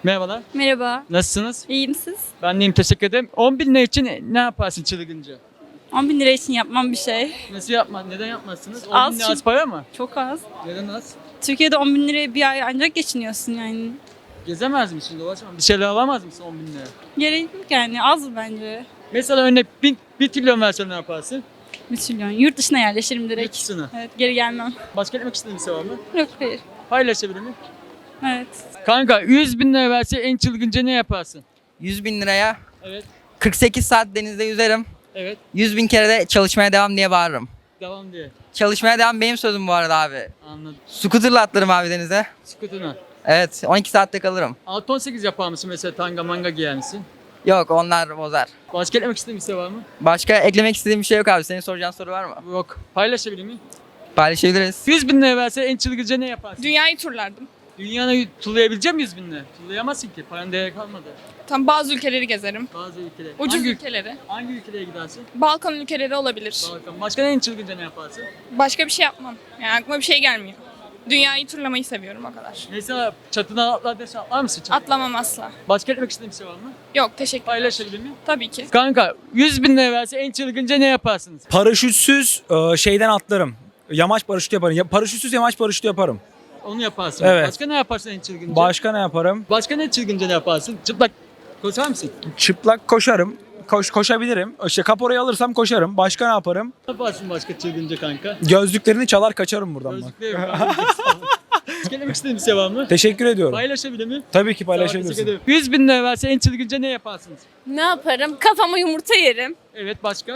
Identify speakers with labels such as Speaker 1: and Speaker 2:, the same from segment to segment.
Speaker 1: Merhabalar.
Speaker 2: Merhaba.
Speaker 1: Nasılsınız?
Speaker 2: İyiyim siz?
Speaker 1: Ben deyim, teşekkür ederim. 10 bin lira için ne yaparsın çılgınca?
Speaker 2: 10 bin lira için yapmam bir şey.
Speaker 1: Nasıl yapma? Neden yapmazsınız? 10
Speaker 2: Az
Speaker 1: bin lira
Speaker 2: çünkü-
Speaker 1: az para mı?
Speaker 2: Çok az.
Speaker 1: Neden az?
Speaker 2: Türkiye'de 10 bin liraya bir ay ancak geçiniyorsun yani.
Speaker 1: Gezemez misin? Dolaşamaz. Bir şeyler alamaz mısın 10 bin lira?
Speaker 2: Gerek yok yani az bence.
Speaker 1: Mesela örnek 1 trilyon versen ne yaparsın?
Speaker 2: 1 trilyon. Yurt dışına yerleşirim direkt.
Speaker 1: Yurt dışına.
Speaker 2: Evet, geri gelmem.
Speaker 1: Başka etmek istediğin bir şey var mı?
Speaker 2: Yok, hayır.
Speaker 1: Paylaşabilir miyim?
Speaker 2: Evet.
Speaker 1: Kanka 100 bin lira verse en çılgınca ne yaparsın?
Speaker 3: 100 bin liraya
Speaker 1: Evet.
Speaker 3: 48 saat denizde yüzerim.
Speaker 1: Evet.
Speaker 3: 100 bin kere de çalışmaya devam diye bağırırım.
Speaker 1: Devam diye.
Speaker 3: Çalışmaya devam benim sözüm bu arada abi.
Speaker 1: Anladım.
Speaker 3: Scooter'la atlarım abi denize.
Speaker 1: Skutuna.
Speaker 3: Evet 12 saatte kalırım.
Speaker 1: 6-18 yapar mısın mesela, tanga manga giyer misin?
Speaker 3: Yok onlar bozar.
Speaker 1: Başka etmek istediğin bir şey var mı?
Speaker 3: Başka eklemek istediğim bir şey yok abi. Senin soracağın soru var mı?
Speaker 1: Yok. Paylaşabilir miyim?
Speaker 3: Paylaşabiliriz.
Speaker 1: 100 bin lira verse en çılgınca ne yaparsın?
Speaker 4: Dünyayı turlardım.
Speaker 1: Dünyanı tullayabilecek miyiz 100 bin lira? Tullayamazsın ki. Paran değeri kalmadı.
Speaker 4: Tam bazı ülkeleri gezerim.
Speaker 1: Bazı ülkeler.
Speaker 4: Ucuz
Speaker 1: hangi,
Speaker 4: ülkeleri.
Speaker 1: hangi ülkelere gidersin?
Speaker 4: Balkan ülkeleri olabilir.
Speaker 1: Balkan. Başka en çılgınca ne yaparsın?
Speaker 4: Başka bir şey yapmam. Yani aklıma bir şey gelmiyor. Dünyayı turlamayı seviyorum o kadar.
Speaker 1: Mesela çatına atlar desen atlar mısın çatına?
Speaker 4: Atlamam asla.
Speaker 1: Başka etmek istediğin bir şey var mı?
Speaker 4: Yok teşekkür ederim.
Speaker 1: Paylaşabilir miyim?
Speaker 4: Tabii ki.
Speaker 1: Kanka 100 bin lira verse en çılgınca ne yaparsınız?
Speaker 5: Paraşütsüz şeyden atlarım. Yamaç paraşütü yaparım. Paraşütsüz yamaç paraşütü yaparım.
Speaker 1: Onu yaparsın.
Speaker 5: Evet.
Speaker 1: Başka ne yaparsın en çılgınca?
Speaker 5: Başka ne yaparım?
Speaker 1: Başka ne çılgınca ne yaparsın? Çıplak koşar mısın?
Speaker 5: Çıplak koşarım. Koşabilirim. İşte kaporayı alırsam koşarım. Başka ne yaparım?
Speaker 1: Ne yaparsın başka çılgınca kanka?
Speaker 5: Gözlüklerini çalar kaçarım buradan bak.
Speaker 1: Gözlükle yok. Başka demek istediğin bir şey var mı?
Speaker 5: Teşekkür ediyorum.
Speaker 1: Paylaşabilir miyim?
Speaker 5: Tabii ki
Speaker 1: Teşekkür
Speaker 5: paylaşabilirsin.
Speaker 1: ederim. 100 bin lira verse en çılgınca ne yaparsınız?
Speaker 6: Ne yaparım? Kafama yumurta yerim.
Speaker 1: Evet, başka?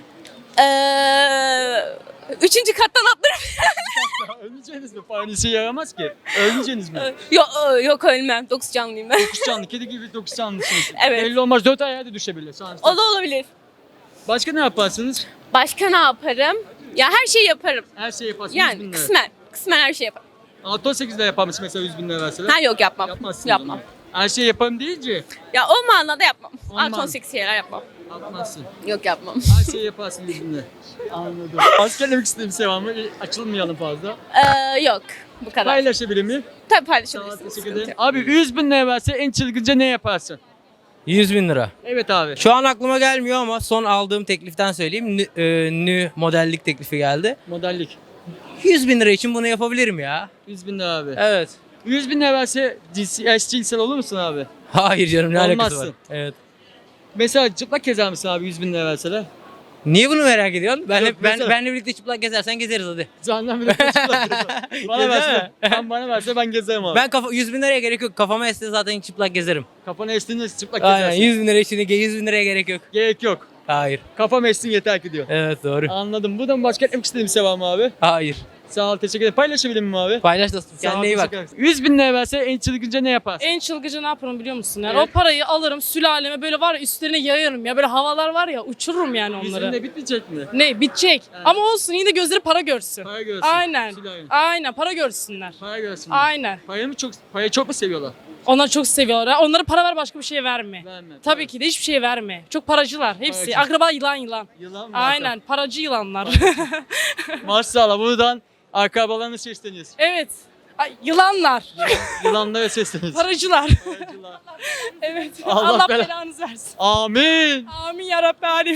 Speaker 6: Üçüncü kattan atlarım.
Speaker 1: Ölmeyeceğiniz mi? Paranın işe yaramaz ki. Ölmeyeceğiniz mi?
Speaker 6: yok, yok ölmem. 9 canlıyım ben.
Speaker 1: 9 canlı, kedi gibi 9 canlısınız.
Speaker 6: Evet.
Speaker 1: Belli olmaz, 4 ayağa da düşebilir. Sonuçta.
Speaker 6: O da olabilir.
Speaker 1: Başka ne yaparsınız?
Speaker 6: Başka ne yaparım? Ya her şeyi yaparım.
Speaker 1: Her şeyi yaparsınız 100 bin
Speaker 6: Yani
Speaker 1: lira.
Speaker 6: kısmen. Kısmen her şeyi yaparım.
Speaker 1: 6-18'de yapar mısın mesela 100 bin lira verseler?
Speaker 6: Ha yok yapmam.
Speaker 1: Yapmazsınız
Speaker 6: Yapmam.
Speaker 1: onu. Her şeyi yaparım deyince
Speaker 6: Ya o manada yapmam.
Speaker 1: O
Speaker 6: Artı
Speaker 1: manada.
Speaker 6: 18 şeyler yapmam.
Speaker 1: yapmazsın.
Speaker 6: Yok yapmam.
Speaker 1: Her şeyi yaparsın 100 bin lira. Anladım. Başka demek istediğim bir şey var mı? Açılmayalım fazla.
Speaker 6: Yok. Bu kadar.
Speaker 1: Paylaşabilir miyim?
Speaker 6: Tabii
Speaker 1: Sağ ol,
Speaker 6: paylaşabilirsiniz.
Speaker 1: teşekkür
Speaker 6: Sıkıntı
Speaker 1: ederim.
Speaker 6: yok.
Speaker 1: Abi 100 bin lira verse en çılgınca ne yaparsın?
Speaker 7: 100 bin lira.
Speaker 1: Evet abi.
Speaker 7: Şu an aklıma gelmiyor ama son aldığım tekliften söyleyeyim. Nü modellik teklifi geldi.
Speaker 1: Modellik.
Speaker 7: 100 bin lira için bunu yapabilirim ya.
Speaker 1: 100 bin lira abi.
Speaker 7: Evet.
Speaker 1: 100 bin lira verse eşcinsel olur musun abi?
Speaker 7: Hayır canım ne alakası
Speaker 1: Olmazsın.
Speaker 7: var? Evet.
Speaker 1: Mesela çıplak gezer misin abi 100 bin lira verseler?
Speaker 7: Niye bunu merak ediyorsun?
Speaker 1: Yok, mesela-
Speaker 7: Benle birlikte çıplak gezersen gezeriz hadi.
Speaker 1: Candan bile çıplak gezer. Bana
Speaker 7: Gezer
Speaker 1: verse,
Speaker 7: mi?
Speaker 1: bana verse ben gezerim abi.
Speaker 7: 100 bin liraya gerek yok. Kafama esse zaten çıplak gezerim.
Speaker 1: Kafana estiğinde çıplak
Speaker 7: Aynen
Speaker 1: gezersin.
Speaker 7: 100 bin lira için 100 bin liraya gerek yok.
Speaker 1: Gerek yok.
Speaker 7: Hayır.
Speaker 1: Kafam essin yeter ki diyor.
Speaker 7: Evet doğru.
Speaker 1: Anladım. Buradan başka etmek istediğim bir şey var mı abi?
Speaker 7: Hayır.
Speaker 1: Sağ ol, teşekkür ederim. Paylaşabilir miyim abi?
Speaker 7: Paylaş dostum.
Speaker 1: Sağ ol,
Speaker 7: Kendine iyi bak.
Speaker 1: teşekkür ederim. 100 bin lira verse en çılgınca ne yaparsın?
Speaker 8: En çılgıcı ne yaparım biliyor musun? Yani
Speaker 1: Evet.
Speaker 8: o parayı alırım sülaleme böyle var ya üstlerine yayarım ya böyle havalar var ya uçururum yani
Speaker 1: 100 bin
Speaker 8: onları.
Speaker 1: lira bitmeyecek mi?
Speaker 8: Ne bitecek
Speaker 1: Evet.
Speaker 8: ama olsun yine de gözleri para görsün.
Speaker 1: Para görsün.
Speaker 8: Aynen.
Speaker 1: Sülalem.
Speaker 8: Aynen para görsünler.
Speaker 1: Para görsün.
Speaker 8: Aynen.
Speaker 1: Parayı çok mu seviyorlar?
Speaker 8: Onlar çok seviyorlar. Onlara para ver başka bir şey verme.
Speaker 1: Verme.
Speaker 8: Tabii ki de hiçbir şey verme. Çok paracılar hepsi.
Speaker 1: Paracı.
Speaker 8: Akraba yılan.
Speaker 1: Yılan mı?
Speaker 8: Aynen paracı yılanlar.
Speaker 1: Maşallah, buradan akrabalarına sesleniyoruz.
Speaker 8: evet. Ay, yılanlar.
Speaker 1: Yılanlara sesleniyoruz.
Speaker 8: Paracılar.
Speaker 1: Paracılar.
Speaker 8: evet.
Speaker 1: Allah
Speaker 8: Allah
Speaker 1: bela-
Speaker 8: belanızı versin.
Speaker 1: Amin.
Speaker 8: Amin ya Rabbi alemin.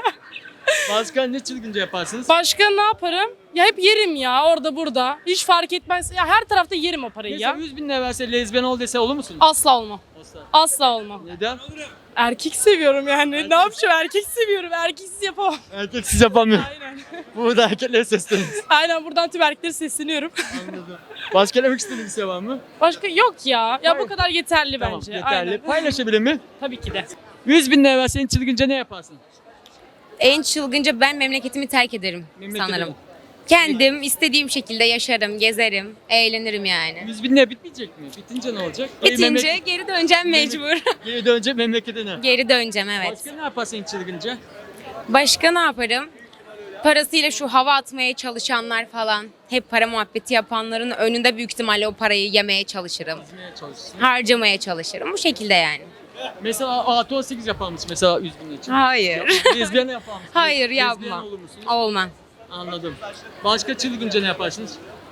Speaker 1: Başka ne çılgınca yaparsınız?
Speaker 8: Başka ne yaparım? Ya hep yerim ya orada burada. Hiç fark etmez. Ya her tarafta yerim o parayı
Speaker 1: Mesela
Speaker 8: ya.
Speaker 1: 100 bin lira verse lezbiyen ol dese olur musun?
Speaker 8: Asla olmam.
Speaker 1: Asla.
Speaker 8: Asla olmam.
Speaker 1: Neden?
Speaker 8: Erkek seviyorum yani. Ne yapacağım? Erkek seviyorum. Erkeksiz yapamam.
Speaker 1: Erkeksiz yapamıyor.
Speaker 8: Aynen.
Speaker 1: Burada erkeklere sesleniyoruz.
Speaker 8: Aynen buradan tüm erkeklere sesleniyorum.
Speaker 1: Anladım. Başka demek istediğin bir şey var mı?
Speaker 8: Başka yok ya. Ya
Speaker 1: Hayır.
Speaker 8: bu kadar yeterli
Speaker 1: Tamam,
Speaker 8: bence.
Speaker 1: yeterli.
Speaker 8: Aynen.
Speaker 1: Paylaşabilir mi?
Speaker 8: Tabii ki de.
Speaker 1: 100 bin lira verse en çılgınca ne yaparsın?
Speaker 9: En çılgınca ben memleketimi terk ederim
Speaker 1: Memlekete.
Speaker 9: sanırım. Kendim istediğim şekilde yaşarım, gezerim, eğlenirim yani.
Speaker 1: 100 bin lira bitmeyecek mi? Bitince ne olacak?
Speaker 9: Bitince geri döneceğim mecbur.
Speaker 1: Geri dönecek memleketine.
Speaker 9: Geri döneceğim evet.
Speaker 1: Başka ne yaparsın en çılgınca?
Speaker 9: Başka ne yaparım? Parasıyla şu hava atmaya çalışanlar falan, hep para muhabbeti yapanların önünde büyük ihtimalle o parayı yemeye çalışırım.
Speaker 1: Çizmeye çalışırsın.
Speaker 9: Harcamaya çalışırım. Bu şekilde yani.
Speaker 1: Mesela artı 18 yapar mısın mesela 100 bin için?
Speaker 9: Hayır.
Speaker 1: Lezbiyen yapar mısın?
Speaker 9: Hayır,
Speaker 1: Lezbiyen
Speaker 9: yapmam.
Speaker 1: olur musun?
Speaker 9: Olmam.
Speaker 1: Anladım. Başka çılgınca ne yaparsınız?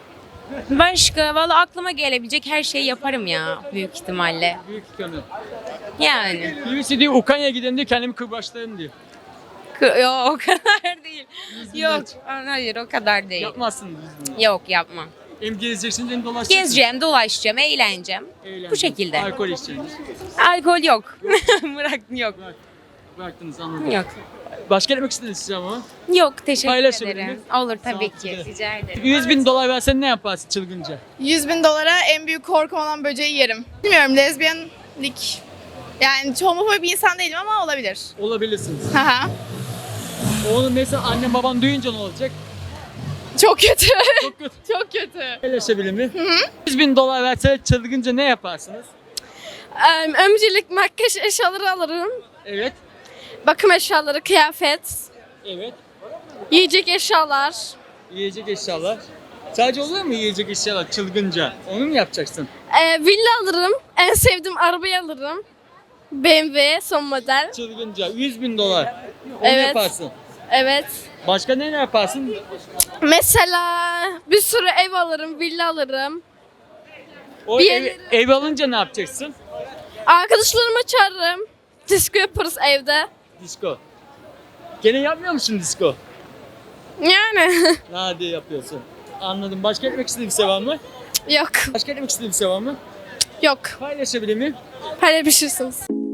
Speaker 9: Başka valla aklıma gelebilecek her şeyi yaparım ya büyük ihtimalle.
Speaker 1: Büyük ihtimalle.
Speaker 9: Yani.
Speaker 1: Birisi diyor Ukrayna'ya gidelim diyor kendimi kırbaçlarım diyor.
Speaker 9: Yok o kadar değil. Yok hayır o kadar değil.
Speaker 1: Yapmazsınız biz bunu.
Speaker 9: Yok yapmam.
Speaker 1: Hem gezeceksiniz hem dolaşacaksınız.
Speaker 9: Gezeceğim, dolaşacağım, eğleneceğim.
Speaker 1: Eğlenceli.
Speaker 9: Bu şekilde.
Speaker 1: Alkol içeceksiniz.
Speaker 9: Alkol yok. Yok.
Speaker 1: Bıraktınız anladım.
Speaker 9: Yok.
Speaker 1: Başka demek istediniz size ama.
Speaker 9: Yok teşekkür
Speaker 1: Paylaşabilir
Speaker 9: ederim.
Speaker 1: miyim?
Speaker 9: Olur
Speaker 1: Sağ ol,
Speaker 9: tabii ki.
Speaker 1: size.
Speaker 9: Rica ederim.
Speaker 1: 100 bin dolar versen ne yaparsın çılgınca?
Speaker 10: 100 bin dolara en büyük korkum olan böceği yerim. Bilmiyorum lezbiyenlik. Yani homofobik bir insan değilim ama olabilir.
Speaker 1: Olabilirsiniz.
Speaker 10: Haha.
Speaker 1: Onu mesela annem baban duyunca ne olacak?
Speaker 10: Çok kötü.
Speaker 1: Çok kötü.
Speaker 10: Çok kötü.
Speaker 1: Paylaşabilir mi? 100 bin dolar verseler çılgınca ne yaparsınız?
Speaker 6: Öncelik makyaj eşyaları alırım.
Speaker 1: Evet.
Speaker 6: Bakım eşyaları, kıyafet,
Speaker 1: Evet.
Speaker 6: yiyecek eşyalar.
Speaker 1: Yiyecek eşyalar. Sadece olur mu yiyecek eşyalar çılgınca? Onu mu yapacaksın?
Speaker 6: Villa alırım. En sevdiğim arabayı alırım. BMW son model.
Speaker 1: Çılgınca 100 bin dolar. Onu
Speaker 6: Evet.
Speaker 1: yaparsın.
Speaker 6: Evet.
Speaker 1: Başka ne yaparsın?
Speaker 6: Mesela bir sürü ev alırım, villa alırım.
Speaker 1: O
Speaker 6: Bir
Speaker 1: ev,
Speaker 6: yerlere-
Speaker 1: ev alınca ne yapacaksın?
Speaker 6: Arkadaşlarımı çağırırım. Disco yaparız evde.
Speaker 1: Disco. Gene yapmıyor musun disco?
Speaker 6: Yani
Speaker 1: Hadi yapıyorsun. Anladım. Başka etmek istediğin bir şey var mı?
Speaker 6: yok.
Speaker 1: Başka etmek istediğin bir şey var mı?
Speaker 6: Yok.
Speaker 1: Paylaşabilir miyim?
Speaker 6: Paylaşırsınız.